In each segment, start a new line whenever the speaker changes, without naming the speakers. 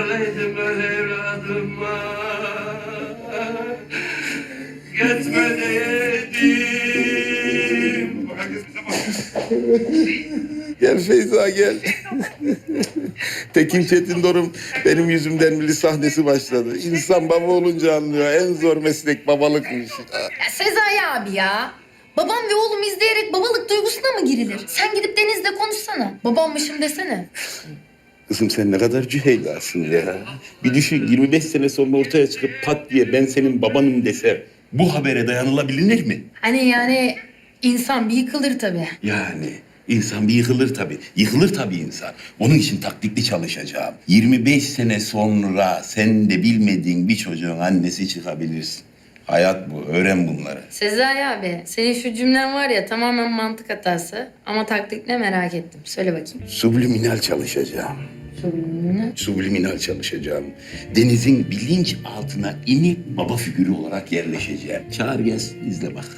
olaydım ben evladıma. Gitme dedim.
Gel Feyza gel. Tekin Çetindor'un benim yüzümden bir sahnesi başladı. İnsan baba olunca anlıyor. En zor meslek babalıkmış.
Ya Sezai abi ya. Babam ve oğlum izleyerek babalık duygusuna mı girilir? Sen gidip Deniz'le konuşsana. Babammışım desene.
Kızım sen ne kadar cüheylasın ya. Bir düşün 25 sene sonra ortaya çıkıp pat diye ben senin babanım dese bu habere dayanılabilir mi?
Hani yani insan bir yıkılır tabii.
Yani insan bir yıkılır tabii. Yıkılır tabii insan. Onun için taktikli çalışacağım. 25 sene sonra sen de bilmediğin bir çocuğun annesi çıkabilirsin. Hayat bu. Öğren bunları.
Sezai abi senin şu cümlen var ya tamamen mantık hatası. Ama taktik ne merak ettim. Söyle bakayım.
Subliminal çalışacağım. Subliminal çalışacağım. Deniz'in bilinç altına inip baba figürü olarak yerleşeceğim. Çağır gelsin, izle bak.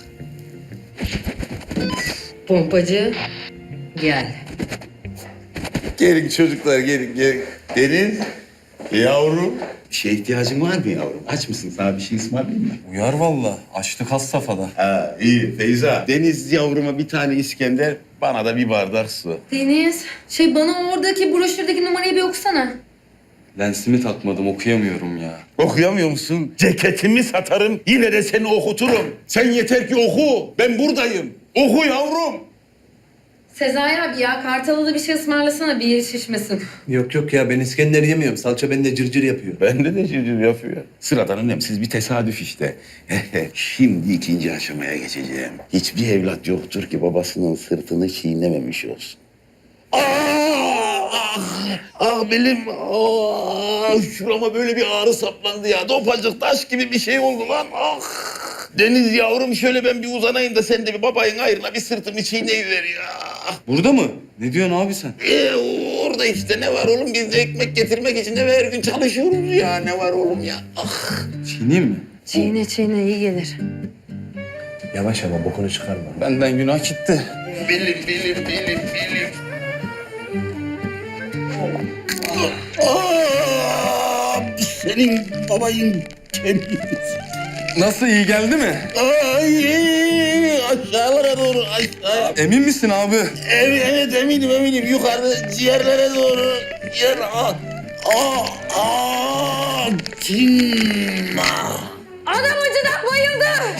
Pompacı gel.
Gelin çocuklar, gelin. Deniz, yavrum. Bir şeye ihtiyacın var mı yavrum? Aç mısın? Sana bir şey ısmarlayayım mı?
Uyar valla. Açlık has safhada.
Ha, iyi. Feyza, Deniz yavruma bir tane İskender, bana da bir bardak su.
Deniz bana oradaki broşürdeki numarayı bir okusana.
Lensimi takmadım, okuyamıyorum ya.
Okuyamıyor musun? Ceketimi satarım, yine de seni okuturum. Sen yeter ki oku, ben buradayım. Oku yavrum.
Sezai abi ya Kartal'a da bir şey ısmarlasana bir yeri şişmesin.
Yok ya ben İskender yemiyorum. Salça bende cırcır yapıyor.
Bende de civciv yapıyor. Sıradan önemsiz bir tesadüf işte. Şimdi ikinci aşamaya geçeceğim. Hiçbir evlat yoktur ki babasının sırtını çiğnememiş olsun. Belim, şurama böyle bir ağrı saplandı ya. Dopacık taş gibi bir şey oldu lan. Deniz yavrum şöyle ben bir uzanayım da sen de bir babayın ayrına bir sırtımı çiğneyiver ya.
Burada mı? Ne diyorsun abi sen?
Orada işte ne var oğlum? Biz de ekmek getirmek için eve her gün çalışıyoruz ya. Ne var oğlum ya?
Çiğneyim mi?
Çiğne iyi gelir.
Yavaş ama bokunu çıkarma.
Benden günah gitti.
Bilim. Senin babayın kendisi.
Nasıl, iyi geldi mi?
Aşağılara doğru aşağı.
Emin misin abi?
Evet eminim. Yukarı ciğerlere doğru. Cinma.
Adam acıdan bayıldı.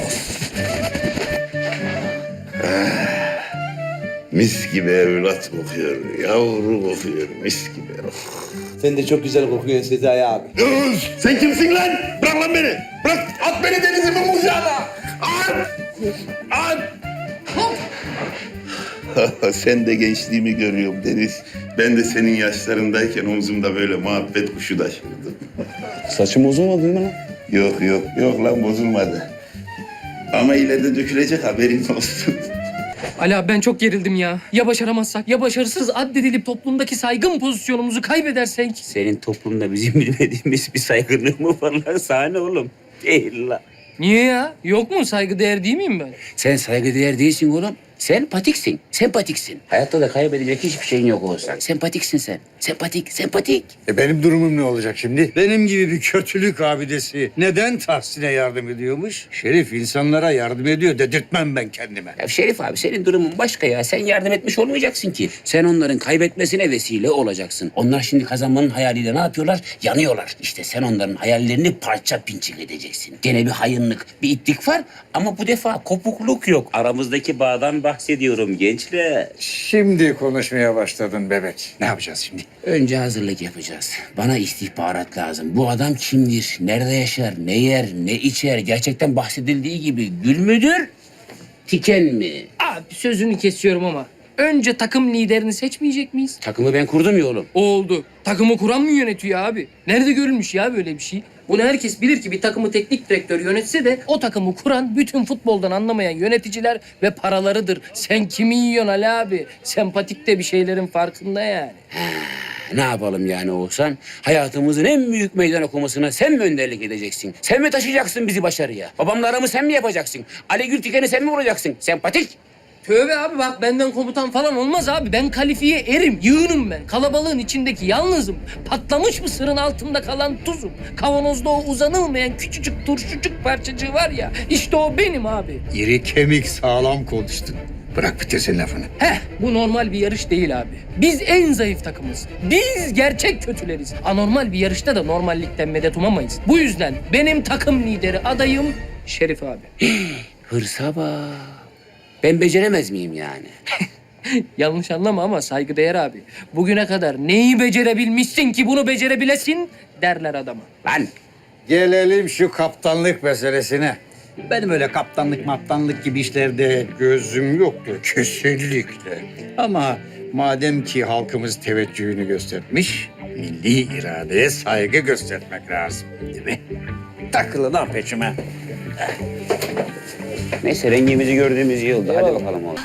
Mis gibi evlat kokuyor. Yavru kokuyor. Mis gibi.
Sen de çok güzel kokuyorsun Sezai abi.
Sen kimsin lan? Bırak lan beni. Bırak. At beni Deniz'imin kucağına. At. Sen de gençliğimi görüyorum Deniz. Ben de senin yaşlarındayken omzumda böyle muhabbet kuşu taşırdım.
Saçım bozulmadı değil mi lan?
Yok lan bozulmadı. Ama ileride dökülecek haberin olsun.
Ali abi ben çok gerildim ya. Ya başaramazsak ya başarısız addedilip toplumdaki saygın pozisyonumuzu kaybedersek?
Senin toplumda bizim bilmediğimiz bir saygınlığı mı var lan? Sahne oğlum. Değil lan.
Niye ya? Yok mu? Saygıdeğer değil miyim ben?
Sen saygıdeğer değilsin oğlum. Sen patiksin. Sempatiksin. Hayatta da kaybedecek hiçbir şeyin yok olsan. Sempatiksin sen. Sempatik.
Benim durumum ne olacak şimdi? Benim gibi bir kötülük abidesi neden Tahsin'e yardım ediyormuş? Şerif insanlara yardım ediyor dedirtmem ben kendime.
Ya Şerif abi senin durumun başka ya. Sen yardım etmiş olmayacaksın ki. Sen onların kaybetmesine vesile olacaksın. Onlar şimdi kazanmanın hayaliyle ne yapıyorlar? Yanıyorlar. İşte sen onların hayallerini parça pinçik edeceksin. Gene bir hayınlık, bir itlik var ama bu defa kopukluk yok. Aramızdaki bağdan bahsediyorum gençler.
Şimdi konuşmaya başladın bebek. Ne yapacağız şimdi?
Önce hazırlık yapacağız. Bana istihbarat lazım. Bu adam kimdir? Nerede yaşar? Ne yer? Ne içer? Gerçekten bahsedildiği gibi gül müdür? Tiken mi?
Abi sözünü kesiyorum ama önce takım liderini seçmeyecek miyiz?
Takımı ben kurdum ya oğlum.
Oldu. Takımı kuran mı yönetiyor abi? Nerede görülmüş ya böyle bir şey? Bunu herkes bilir ki bir takımı teknik direktör yönetse de o takımı kuran bütün futboldan anlamayan yöneticiler ve paralarıdır. Sen kimi yiyorsun Ali abi? Sempatik de bir şeylerin farkında yani.
Ne yapalım yani Oğuzhan? Hayatımızın en büyük meydan okumasına sen mi önderlik edeceksin? Sen mi taşıyacaksın bizi başarıya? Babamla aramı sen mi yapacaksın? Ali Gültiken'i sen mi vuracaksın? Sempatik.
Tövbe abi bak benden komutan falan olmaz abi. Ben kalifiye erim, yığınım ben. Kalabalığın içindeki yalnızım. Patlamış mısırın altında kalan tuzum. Kavanozda o uzanılmayan küçücük turşucuk parçacığı var ya. İşte o benim abi.
İri kemik sağlam konuştun. Bırak bitirsin lafını.
Bu normal bir yarış değil abi. Biz en zayıf takımız. Biz gerçek kötüleriz. Anormal bir yarışta da normallikten medet umamayız. Bu yüzden benim takım lideri adayım Şerif abi.
Hırsa bak. Ben beceremez miyim yani?
Yanlış anlama ama saygıdeğer abi. Bugüne kadar neyi becerebilmişsin ki bunu becerebilesin derler adama.
Lan
Gelelim şu kaptanlık meselesine. Benim öyle kaptanlık gibi işlerde gözüm yoktur kesinlikle. Ama madem ki halkımız teveccühünü göstermiş, milli iradeye saygı göstermek lazım, değil mi? Takılı lan peçime.
neyse rengimizi gördüğümüz iyi oldu. Hadi bakalım oğlum.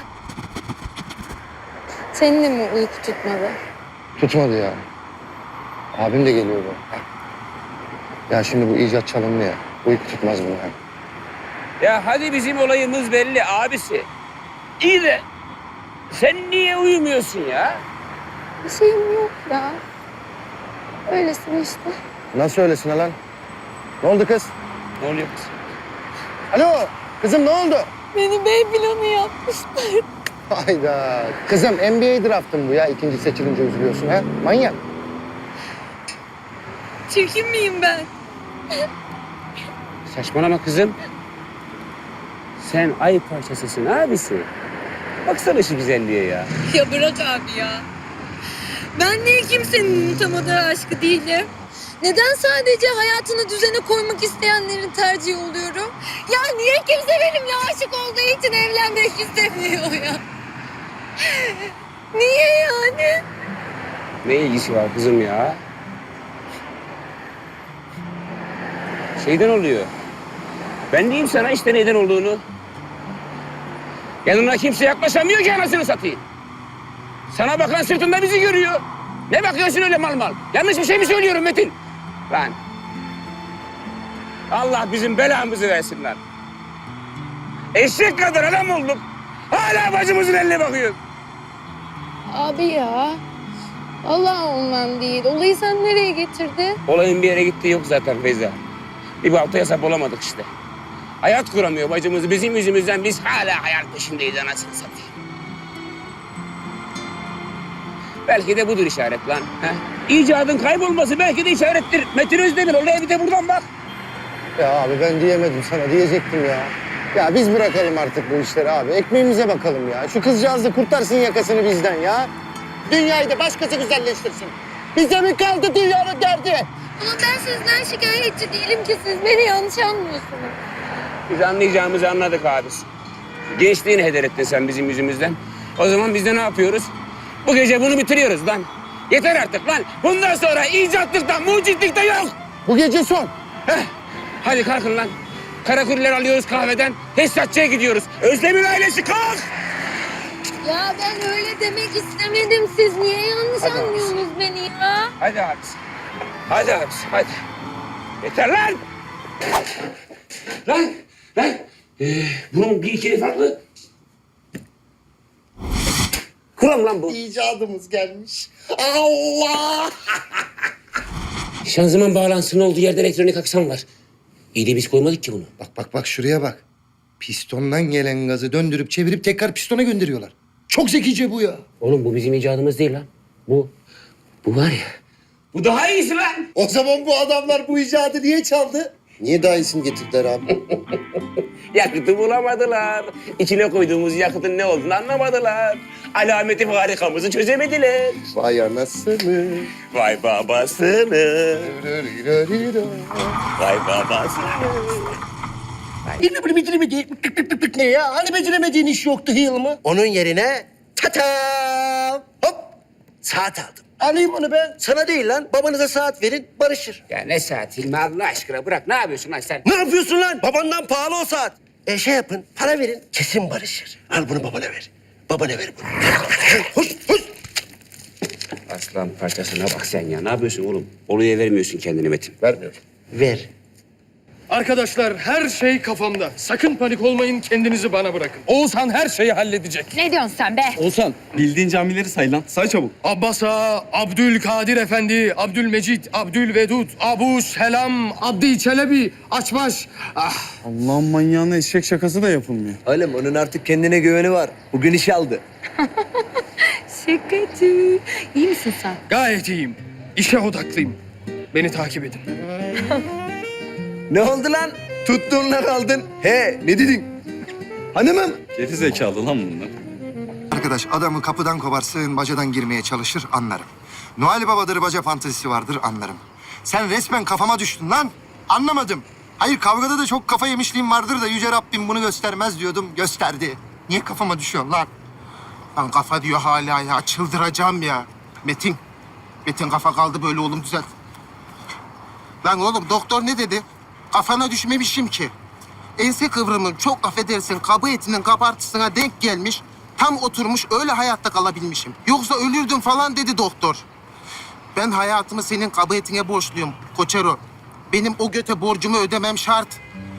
Senin de mi uyku tutmadı?
Tutmadı ya. Abim de geliyordu. Ya şimdi bu icat çalındı ya. Uyku tutmaz bunu hem.
Ya hadi bizim olayımız belli abisi. İyi de sen niye uyumuyorsun ya?
Bir şeyim yok ya. Öylesin işte.
Nasıl öylesine lan? Ne oldu kız?
Ne oluyor kız?
Alo kızım ne oldu?
Beni bey planı yapmışlar.
Hayda. Kızım NBA draftın bu ya. İkinci seçilince üzülüyorsun ha. Manyak.
Çirkin miyim ben?
Saçmalama kızım. Sen ay parçasısın abisi. Baksana şu güzelliğe ya.
Ya bırak abi ya. Ben niye kimsenin unutamadığı aşkı değilim? Neden sadece hayatını düzene koymak isteyenlerin tercihi oluyorum? Ya niye kimse benimle aşık olduğu için evlenmek istemiyor ya? Niye yani?
Ne ilgisi var kızım ya? Şeyden oluyor. Ben diyeyim sana işte neden olduğunu. Yanına kimse yaklaşamıyor ki anasını satayım. Sana bakan sırtında bizi görüyor. Ne bakıyorsun öyle mal mal? Yanlış bir şey mi söylüyorum Metin? Lan. Allah bizim belamızı versin lan. Eşek kadar adam olduk. Hala bacımızın eline bakıyor.
Abi ya. Allah ondan değil. Olayı sen nereye getirdin?
Olayın bir yere gittiği yok zaten Feyza. Bir baltaya sap olamadık işte. Hayat kuramıyor bacımız. Bizim yüzümüzden biz hala hayal peşindeyiz anasını satayım. Belki de budur işaret lan. He? İcadın kaybolması belki de işarettir. Metin Özdemir olaya bir de buradan bak.
Ya abi ben diyemedim sana. Diyecektim ya. Ya biz bırakalım artık bu işleri abi. Ekmeğimize bakalım ya. Şu kızcağız da kurtarsın yakasını bizden ya. Dünyayı da başkası güzelleştirsin. Bize mi kaldı dünyanın derdi?
Ama ben sizden şikayetçi değilim ki siz beni yanlış anlıyorsunuz.
Biz anlayacağımızı anladık abisi. Gençliğini heder ettin sen bizim yüzümüzden. O zaman biz de ne yapıyoruz? Bu gece bunu bitiriyoruz lan. Yeter artık lan. Bundan sonra icatlıkta, mucitlikte yok.
Bu gece son.
Heh. Hadi kalkın lan. Karakuller alıyoruz kahveden. Tesisatçıya gidiyoruz. Özlem'in ailesi kalk.
Ya ben öyle demek istemedim. Siz niye yanlış
Hadi
anlıyorsunuz beni ya?
Hadi abisi. Hadi abisi, hadi. Yeter lan. Lan. Bunun bir ikili farklı. Kuram lan bu.
İcadımız gelmiş. Allah!
Şanzıman bağlantısının olduğu yerde elektronik aksam var. İyi de biz koymadık ki bunu.
Bak şuraya bak. Pistondan gelen gazı döndürüp çevirip tekrar pistona gönderiyorlar. Çok zekice bu ya.
Oğlum bu bizim icadımız değil lan. Bu var ya. Bu daha iyisi lan.
O zaman bu adamlar bu icadı niye çaldı? Niye daha iyisini getirdiler abi?
Yakıtı bulamadılar. İçine koyduğumuz yakıtın ne olduğunu anlamadılar. Alameti farikamızı çözemediler.
Vay anasını.
Vay babasını. Vay babasını.
Ne ya? Hani beceremediğin iş yoktu Hilmi?
Onun yerine tatam hop saat aldım.
Alayım onu ben.
Sana değil lan, babanıza saat verin, barışır.
Ya ne saat Hilmi Allah aşkına bırak. Ne yapıyorsun lan sen?
Ne yapıyorsun lan? Babandan pahalı o saat. Şey yapın, para verin, kesin barışır. Al bunu babana ver. Babana ver bunu. Hoş.
Aslan parçasına bak sen ya. Ne yapıyorsun oğlum? Oluya vermiyorsun kendini Metin.
Vermiyorum.
Ver.
Arkadaşlar her şey kafamda. Sakın panik olmayın, kendinizi bana bırakın. Oğuzhan her şeyi halledecek.
Ne diyorsun sen be?
Oğuzhan, bildiğin camileri say lan. Say çabuk.
Abbas Ağa, Abdülkadir Efendi, Abdülmecid, Abdülvedud, Abu Selam, Abdi Çelebi, Açbaş. Ah,
Allah'ın manyağına eşek şakası da yapılmıyor.
Oğlum onun artık kendine güveni var. Bugün iş aldı.
Şakacı. İyi misin sen?
gayet iyiyim. İşe odaklıyım. Beni takip edin.
Ne oldu lan? Tuttuğunla kaldın. He ne dedin? Hanımım.
Geri zekalı lan bunlar.
Arkadaş adamı kapıdan kovarsın, bacadan girmeye çalışır anlarım. Noel Baba'dır, baca fantezisi vardır anlarım. Sen resmen kafama düştün lan. Anlamadım. Hayır kavgada da çok kafa yemişliğim vardır da Yüce Rabbim bunu göstermez diyordum. Gösterdi. Niye kafama düşüyorsun lan? Lan kafa diyor hala ya. Çıldıracağım ya. Metin. Metin kafa kaldı böyle oğlum düzelt. Lan oğlum doktor ne dedi? Kafana düşmemişim ki. Ense kıvrımın çok affedersin kabı etinin kabartısına denk gelmiş. Tam oturmuş öyle hayatta kalabilmişim. Yoksa ölürdüm falan dedi doktor. Ben hayatımı senin kabı etine borçluyum Koçero. Benim o göte borcumu ödemem şart.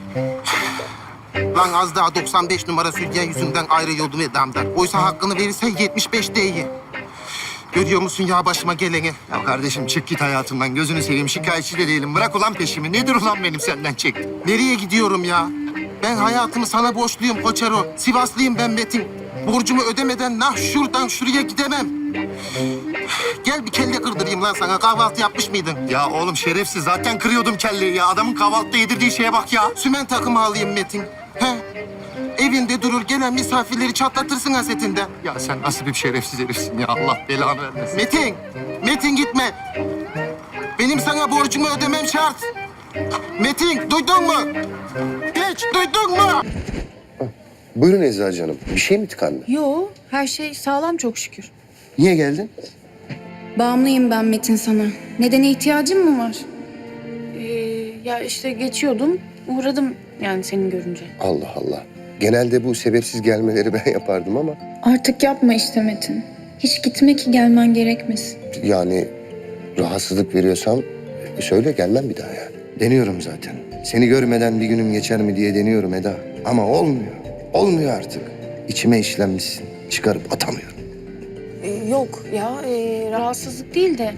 Lan az daha 95 numara sürgen yüzünden ayrılıyordum Eda'mdan. Oysa hakkını verirsen 75 değil. Görüyor musun ya başıma geleni? Ya kardeşim çık git hayatımdan. Gözünü seveyim şikayetçi de değilim. Bırak ulan peşimi. Nedir ulan benim senden çektim? Nereye gidiyorum ya? Ben hayatımı sana borçluyum Koçero. Sivaslıyım ben Metin. Borcumu ödemeden nah şuradan şuraya gidemem. Gel bir kelle kırdırayım lan sana. Kahvaltı yapmış mıydın? Ya oğlum şerefsiz. Zaten kırıyordum kelleyi ya. Adamın kahvaltıda yedirdiği şeye bak ya. Sümen takımı alayım Metin. He? Evinde durur gelen misafirleri çatlatırsın hasetinden. Ya sen nasıl bir şerefsiz herifsin ya Allah belanı vermesin. Metin! Metin gitme! Benim sana borcumu ödemem şart. Metin duydun mu? Hiç duydun mu?
Buyurun Eczacı Hanım. Bir şey mi tıkandı?
Yo, her şey sağlam çok şükür.
Niye geldin?
Bağımlıyım ben Metin sana. Nedene ihtiyacın mı var? Ya işte geçiyordum, uğradım yani seni görünce.
Allah Allah. Genelde bu sebepsiz gelmeleri ben yapardım ama...
Artık yapma işte Metin. Hiç gitme ki gelmen gerekmesin.
Yani rahatsızlık veriyorsam söyle gelmem bir daha yani. Deniyorum zaten. Seni görmeden bir günüm geçer mi diye deniyorum Eda. Ama olmuyor. Olmuyor artık. İçime işlenmişsin. Çıkarıp atamıyorum.
Yok ya, rahatsızlık değil de.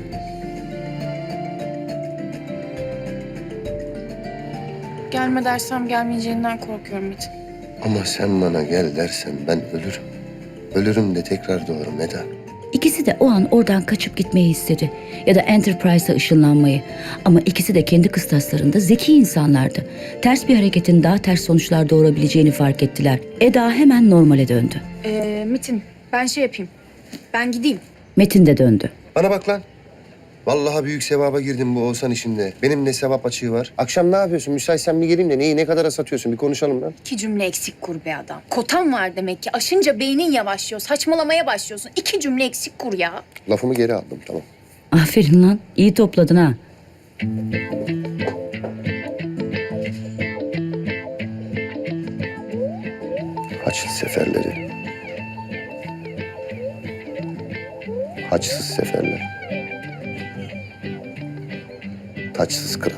Gelme dersem gelmeyeceğinden korkuyorum Metin.
Ama sen bana gel dersen ben ölürüm. Ölürüm de tekrar doğarım Eda.
İkisi de o an oradan kaçıp gitmeyi istedi. Ya da Enterprise'a ışınlanmayı. Ama ikisi de kendi kıstaslarında zeki insanlardı. Ters bir hareketin daha ters sonuçlar doğurabileceğini fark ettiler. Eda hemen normale döndü.
Metin, ben şey yapayım. Ben gideyim.
Metin de döndü.
Bana bak lan. Vallahi büyük sevaba girdim bu Oğuzhan işinde. Benim ne sevap açığı var. Akşam ne yapıyorsun? Müsaitsen bir geleyim de neyi ne kadara satıyorsun? Bir konuşalım lan.
2 cümle eksik kur be adam. Kotan var demek ki. Aşınca beynin yavaşlıyor. Saçmalamaya başlıyorsun. 2 cümle eksik kur ya.
Lafımı geri aldım tamam.
Aferin lan. İyi topladın ha.
Haçlı seferleri. Haçsız seferler. Taçsız kral.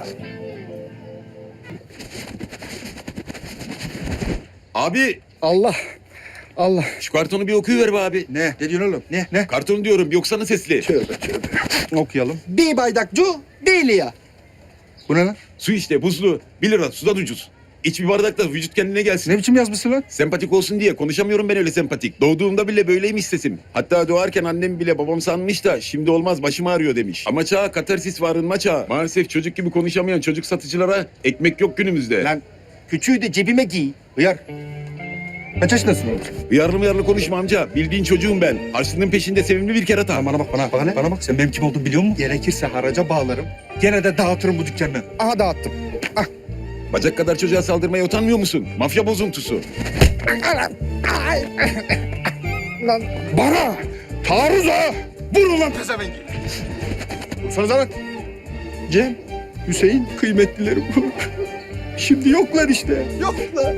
Abi
Allah. Allah.
şu kartonu bir okuyuver be abi.
Ne? Ne diyorsun oğlum? Ne?
Kartonu diyorum bir okusana sesli.
Okuyalım. Bir bardak cu değil ya. Bu ne lan?
Su işte buzlu. 1 lira sudan ucuz. İç bir bardakta vücut kendine gelsin.
Ne biçim yazmışsın lan?
Sempatik olsun diye konuşamıyorum ben öyle sempatik. Doğduğumda bile böyleymiş sesim. Hatta doğarken annem bile babam sanmış da şimdi olmaz başım ağrıyor demiş. Ama çağ katarsis var arınma çağı. Maalesef çocuk gibi konuşamayan çocuk satıcılara ekmek yok günümüzde.
Lan küçüğü de cebime giy. Hıyar. Kaç yaşındasın oğlum?
Uyarlı konuşma amca. Bildiğin çocuğum ben. Harçlığın peşinde sevimli bir kerata.
Bana bak bana. Bana ne? Bana bak sen benim kim olduğumu biliyor musun? Gerekirse haraca bağlarım. Gene de dağıtırım bu dükkanı. Aha dağıttım. Ah.
Bacak kadar çocuğa saldırmaya utanmıyor musun? Mafya bozuntusu.
Lan bana taarruz ha. Vurun lan pezevengi. Vursanıza lan. Cem, Hüseyin kıymetlilerim bu. Şimdi yoklar işte. Yoklar.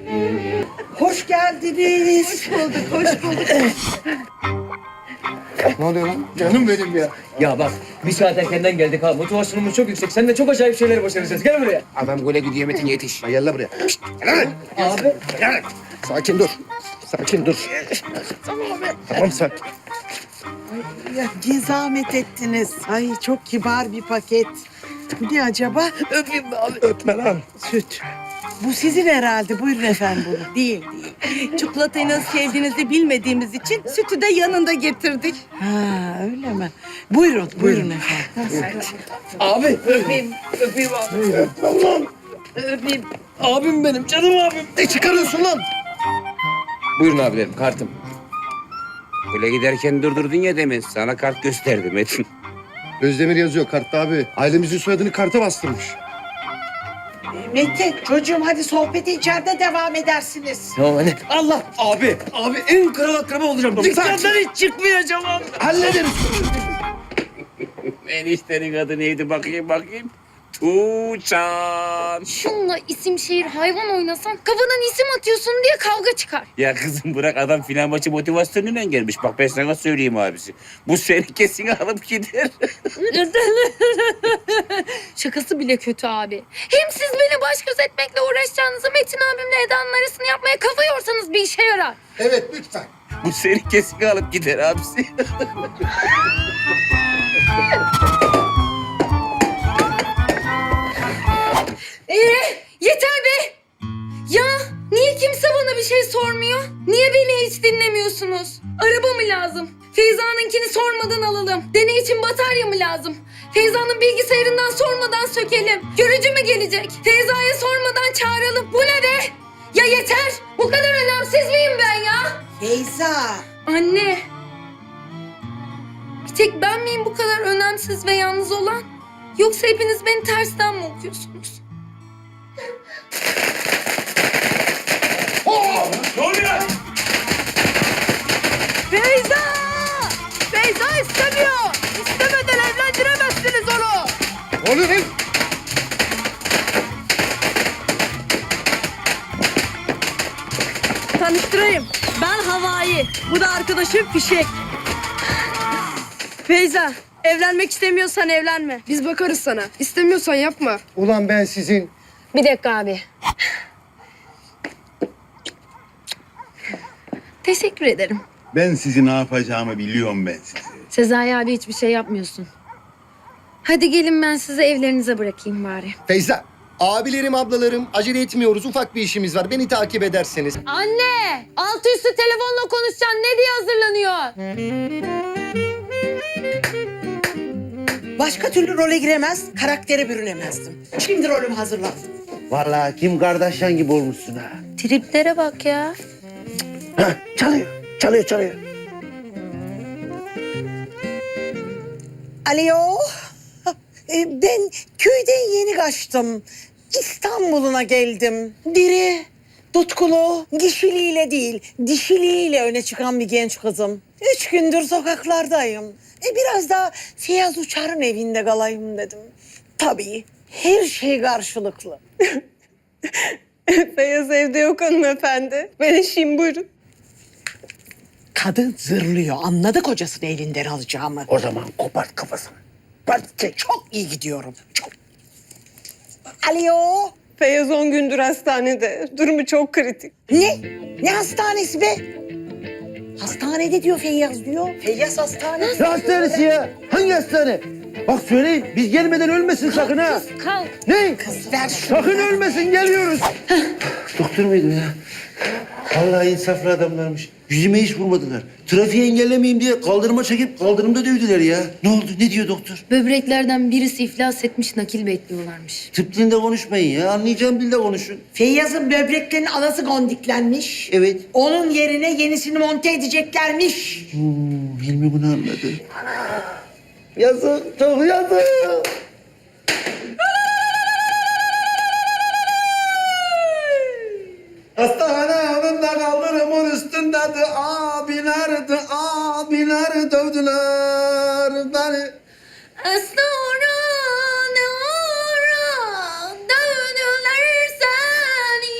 Hoş geldiniz. Hoş bulduk, hoş bulduk.
Ne oluyor lan?
Canım benim ya.
Ya bak bir saat erkenden geldik ha. Motivasyonumuz çok yüksek. Sen de çok acayip şeyler başaracağız. Gel buraya.
Adam gole gidiyor Metin yetiş.
Gel lan buraya. Şşt, gel lan.
Abi.
Sakin dur. Sakin dur. Tamam sakin.
Ya ne zahmet ettiniz. Ay çok kibar bir paket. Bu ne acaba?
Öpeyim abi.
Öpme lan.
Süt. Bu sizin herhalde. Buyurun efendim bunu. Değil değil.
Çikolatayı nasıl sevdiğinizi bilmediğimiz için sütü de yanında getirdik.
Ha öyle mi? Buyurun, buyurun efendim.
Abi öpeyim. Öpeyim abi. Öpeyim. Abim benim. Canım abim.
Ne çıkarıyorsun lan?
Buyurun abilerim kartım. Gole giderken durdurdun ya demin. Sana kart gösterdim Metin.
Özdemir yazıyor kartta abi. Ailemizin soyadını karta bastırmış.
Metin, çocuğum hadi sohbeti içeride devam edersiniz.
Tamam anne. Allah abi. Abi en kral akraba olacağım. Dükkandan hiç çıkmayacağım abi.
Hallederiz.
Eniştenin adı neydi bakayım. Tuğçan.
Şunla isim şehir hayvan oynasan kafadan isim atıyorsun diye kavga çıkar.
Ya kızım bırak adam final maçı motivasyonuyla gelmiş. Bak ben sana söyleyeyim abisi. Bu seni kesin alıp gider.
Şakası bile kötü abi. Hem siz beni baş göz etmekle uğraşacağınızı Metin abimle Eda'nın arasını yapmaya kafa yorsanız bir işe yarar.
Evet lütfen.
Bu seni kesin alıp gider abisi.
Yeter be! Ya niye kimse bana bir şey sormuyor? Niye beni hiç dinlemiyorsunuz? Araba mı lazım? Feyza'nınkini sormadan alalım. Deney için batarya mı lazım? Feyza'nın bilgisayarından sormadan sökelim. Görücü mü gelecek? Feyza'ya sormadan çağıralım. Bu ne be? Ya yeter! Bu kadar önemsiz miyim ben ya?
Feyza.
Anne! Bir tek ben miyim bu kadar önemsiz ve yalnız olan? Yoksa hepiniz beni tersten mi okuyorsunuz?
Ne oluyor?
Feyza! Feyza istemiyor. İstemeden evlendiremezsiniz onu.
Ne oluyor lan?
Tanıştırayım. Ben Havai. Bu da arkadaşım Fişek. Feyza, evlenmek istemiyorsan evlenme. Biz bakarız sana. İstemiyorsan yapma.
Ulan ben sizin...
Bir dakika abi. Teşekkür ederim.
Ben sizi ne yapacağımı biliyorum ben sizi.
Sezai abi hiçbir şey yapmıyorsun. Hadi gelin ben sizi evlerinize bırakayım bari.
Feyza, abilerim, ablalarım acele etmiyoruz. Ufak bir işimiz var. Beni takip ederseniz.
Anne! Altı üstü telefonla konuşacaksın. Ne diye hazırlanıyor?
Başka türlü role giremez, karaktere bürünemezdim. Şimdi rolüm hazırlandı.
Vallahi Kim Kardashian gibi olmuşsun ha.
Triplere bak ya.
Hah, çalıyor.
Alo. Ben köyden yeni kaçtım. İstanbul'una geldim. Diri, tutkulu, kişiliğiyle değil, dişiliğiyle öne çıkan bir genç kızım. 3 gündür sokaklardayım. Biraz da Feyyaz Uçar'ın evinde kalayım dedim. Tabii her şey karşılıklı.
Feyyaz evde yok hanımefendi. Ben eşiyim buyurun.
Kadın zırlıyor. Anladı kocasını elinden alacağımı.
O zaman kopart kafasını.
Çok iyi gidiyorum. Çok. Alo.
Feyyaz 10 gündür hastanede. Durumu çok kritik.
Ne? Ne hastanesi be? Hastanede diyor Feyyaz diyor. Feyyaz hastanesi.
Ne hastanesi ya? Hangi hastane? Bak söyleyin biz gelmeden ölmesin sakın ha.
Kalk.
Ne?
Kız ver şunu.
Sakın ölmesin geliyoruz. Doktor muydu ya? Vallahi insaflı adamlarmış. Yüzüme hiç vurmadılar. Trafiği engellemeyeyim diye kaldırıma çekip kaldırımda dövdüler ya. Ne oldu? Ne diyor doktor?
Böbreklerden birisi iflas etmiş, nakil bekliyorlarmış.
Tıp dilinde konuşmayın ya. Anlayacağım dilde konuşun.
Feyyaz'ın böbreklerinin anası gondiklenmiş.
Evet.
Onun yerine yenisini monte edeceklermiş.
Hilmi bunu anladı. Yazık, çok yazık.
Hastane önünde kaldırımın üstündedir. Abiler dövdüler beni.
Sonra ne ara döndüler seni.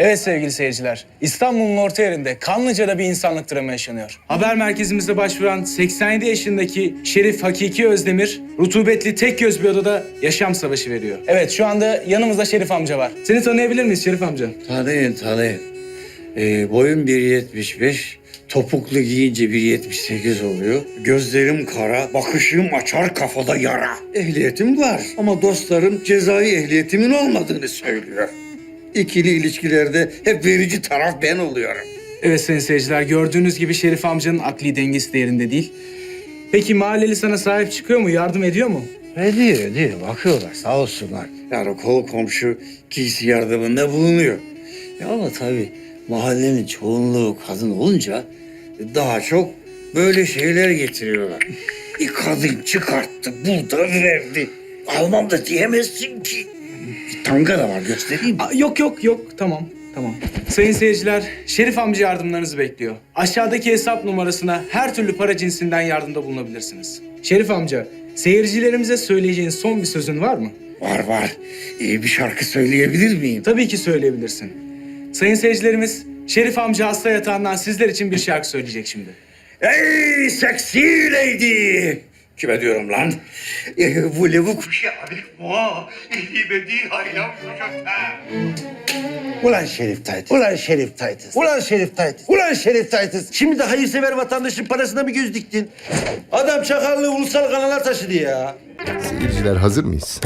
Evet sevgili seyirciler, İstanbul'un orta yerinde Kanlıca'da bir insanlık dramı yaşanıyor. Haber merkezimize başvuran 87 yaşındaki Şerif Hakiki Özdemir, rutubetli tek göz bir odada yaşam savaşı veriyor. Evet, şu anda yanımızda Şerif amca var. Seni tanıyabilir miyiz Şerif amca?
Tanıyın. Boyum 1.75, topuklu giyince 1.78 oluyor. Gözlerim kara, bakışım açar, kafada yara. Ehliyetim var ama dostlarım cezai ehliyetimin olmadığını söylüyor. İkili ilişkilerde hep verici taraf ben oluyorum.
Evet sayın seyirciler, gördüğünüz gibi Şerif amcanın akli dengesi de yerinde değil. Peki mahalleli sana sahip çıkıyor mu, yardım ediyor mu?
Ediyor. Bakıyorlar sağ olsunlar. Yani kol komşu giysi yardımında bulunuyor. Ama tabii mahallenin çoğunluğu kadın olunca daha çok böyle şeyler getiriyorlar. Bir kadın çıkarttı, burada verdi. Almam da diyemezsin ki. Bir tanga da var, göstereyim mi?
Yok. Tamam. Sayın seyirciler, Şerif amca yardımlarınızı bekliyor. Aşağıdaki hesap numarasına her türlü para cinsinden yardımda bulunabilirsiniz. Şerif amca, seyircilerimize söyleyeceğin son bir sözün var mı?
Var. İyi bir şarkı söyleyebilir miyim?
Tabii ki söyleyebilirsin. Sayın seyircilerimiz, Şerif amca hasta yatağından sizler için bir şarkı söyleyecek şimdi.
Ey seksi lady! Kime diyorum lan? Bu lavuk...
Ulan Şerif Taytız. Şimdi de hayırsever vatandaşın parasına mı göz diktin? Adam çakallığı ulusal kanala taşıdı ya.
Seyirciler hazır mıyız?